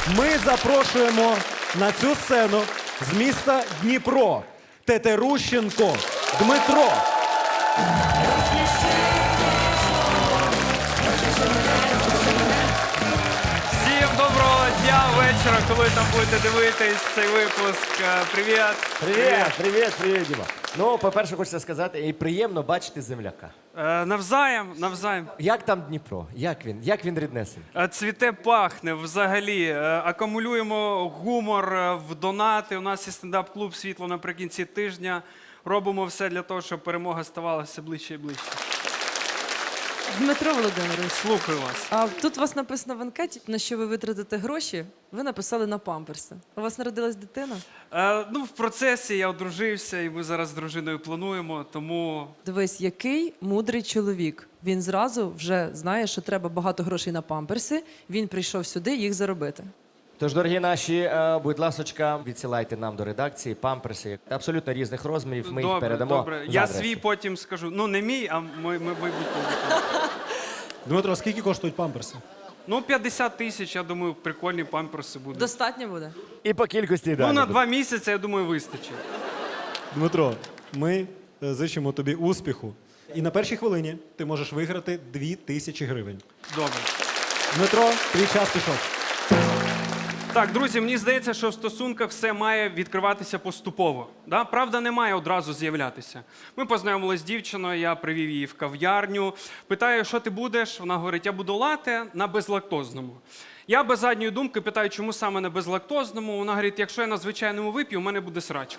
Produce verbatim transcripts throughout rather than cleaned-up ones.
Ми запрошуємо на цю сцену з міста Дніпро Тетерущенко Дмитро. Всім доброго дня, вечора, коли там будете дивитись цей випуск. Е, Привіт. Привіт, привіт, привіт, Діма. Ну, по-перше, хочеться сказати, і приємно бачити земляка. Е, Навзаєм, навзаєм. Як там Дніпро? Як він? Як він ріднесен? Е, Цвіте, пахне взагалі. Е, Акумулюємо гумор е, в донати. У нас є стендап-клуб «Світло» наприкінці тижня. Робимо все для того, щоб перемога ставала все ближче і ближче. Дмитро Володимирович, Слухаю вас. а тут у вас написано в анкеті, на що ви витратите гроші, ви написали на памперси. У вас народилась дитина? Е, Ну, в процесі я одружився, і ми зараз з дружиною плануємо, тому Дивись, який мудрий чоловік. Він зразу вже знає, що треба багато грошей на памперси, він прийшов сюди їх заробити. Тож, дорогі наші, е, будь ласочка, відсилайте нам до редакції памперси абсолютно різних розмірів. Ми їх добре, передамо. добре. за Я адресою. свій потім скажу. Ну, не мій, а мой, мой, майбутній. Дмитро, скільки коштують памперси? Ну, п'ятдесят тисяч, я думаю, прикольні памперси будуть. Достатньо буде? І по кількості Ну, далі. на два місяці, я думаю, вистачить. Дмитро, ми е, зичимо тобі успіху. І на першій хвилині ти можеш виграти дві тисячі гривень. Добре. Дмитро, твій час пішов. Так, друзі, мені здається, що в стосунках все має відкриватися поступово. Да? Правда не має одразу з'являтися. Ми познайомилися з дівчиною, я привів її в кав'ярню. Питаю, що ти будеш? Вона говорить, я буду лате на безлактозному. Я без задньої думки питаю, чому саме на безлактозному. Вона говорить, якщо я на звичайному вип'ю, у мене буде срачка.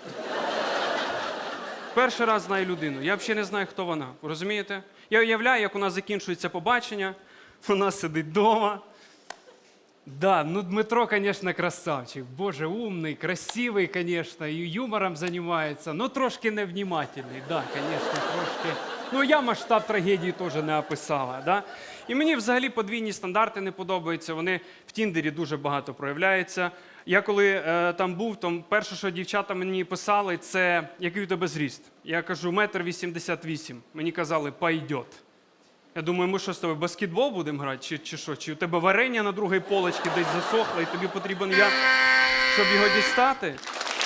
Перший раз знаю людину. Я взагалі не знаю, хто вона. Розумієте? Я уявляю, як у нас закінчується побачення. Вона сидить вдома. Да, ну Дмитро, конечно, красавчик. Боже, умный, красивый, конечно, и юмором занимается, но трошки невнімательний. Да, конечно, трошки. Ну, я масштаб трагедії теж не описала, да? І мені взагалі подвійні стандарти не подобаються, вони в Тіндері дуже багато проявляються. Я коли е, там був, то перше, що дівчата мені писали, це який у тебе зріст. Я кажу, метр вісімдесят вісім. Мені казали, пойдет. Я думаю, ми що з тобою, баскетбол будемо грати, чи, чи що? Чи у тебе варення на другій полочці десь засохло, і тобі потрібен я, щоб його дістати?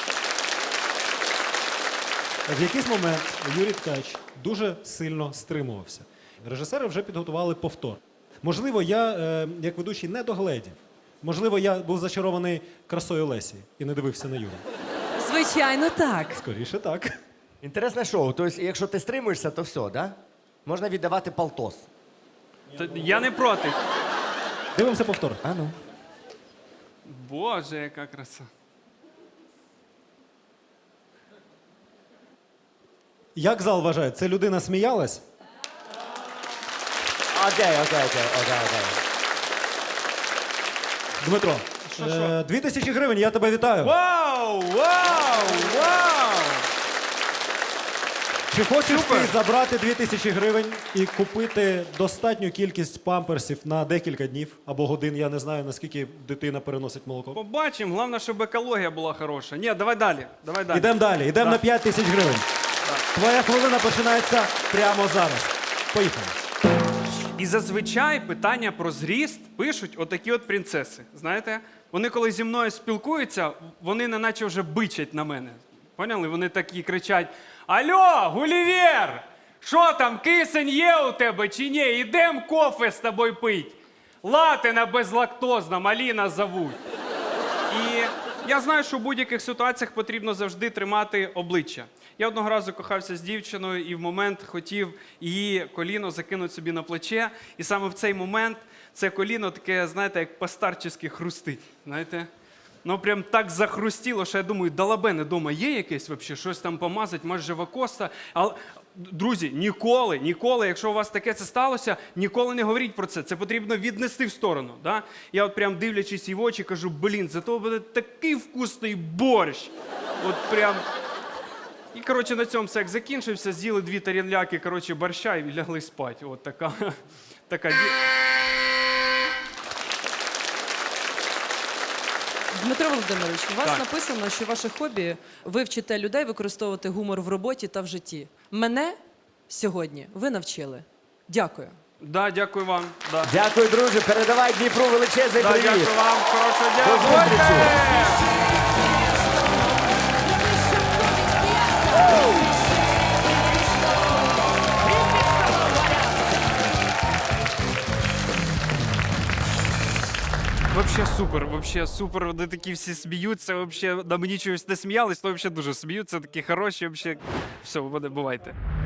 В якийсь момент Юрій Ткач дуже сильно стримувався. Режисери вже підготували повтор. Можливо, я, е, як ведучий, не догледів. Можливо, я був зачарований красою Лесі і не дивився на Юру. Звичайно, так. Скоріше так. Інтересне шоу. Тобто, якщо ти стримуєшся, то все, да? Можна віддавати полтос. Та я не проти. Дивимося повтор. А ну. Боже, яка краса. Як зал вважає, це людина сміялась? Окей, окей, окей, окей, окей. Дмитро, Що, е, що? дві тисячі гривень, я тебе вітаю. Вау! Вау! Вау! Чи хочеш Супер. ти забрати дві тисячі гривень і купити достатню кількість памперсів на декілька днів або годин? Я не знаю, наскільки дитина переносить молоко. Побачимо, головне, щоб екологія була хороша. Ні, давай далі, давай далі. Ідемо далі, йдемо Да. на п'ять тисяч гривень. Твоя хвилина починається прямо зараз. Поїхали. І зазвичай питання про зріст пишуть отакі от принцеси. Знаєте, вони коли зі мною спілкуються, вони неначе вже бичать на мене. Поняли? Вони такі кричать: Алло, Гулівер! Що там, кисень є у тебе чи ні? Ідем кофе з тобою пить. Лати на безлактозна, Аліна зовуть. І я знаю, що в будь-яких ситуаціях потрібно завжди тримати обличчя. Я одного разу кохався з дівчиною і в момент хотів її коліно закинути собі на плече. І саме в цей момент це коліно таке, знаєте, як по-старчески хрустить. Знаєте? Ну, прям так захрустіло, що я думаю, далабене дома є якесь взагалі, щось там помазати, може, живокоста. Але, друзі, ніколи, ніколи, якщо у вас таке це сталося, ніколи не говоріть про це. Це потрібно віднести в сторону. Да? Я от прям дивлячись їй в очі, кажу, блін, зато буде такий вкусний борщ. От прям... І, коротше, на цьому секс закінчився, з'їли дві тарілляки, коротше, борща і лягли спати. От така, така... Дмитро Володимирович, у вас Так. написано, що ваше хобі – ви вчите людей використовувати гумор в роботі та в житті. Мене сьогодні ви навчили. Дякую. Да, дякую вам. Да. Дякую, друже. Передавай Дніпру величезний Да, привіт. дякую вам. Хорошого дня. До зустрічі. Бувайте! Вообще супер, вообще супер. Вони такі всі сміються, вообще на мені чогось не сміялись, то вообще дуже сміються, такі хороші, вообще. Все, бувайте.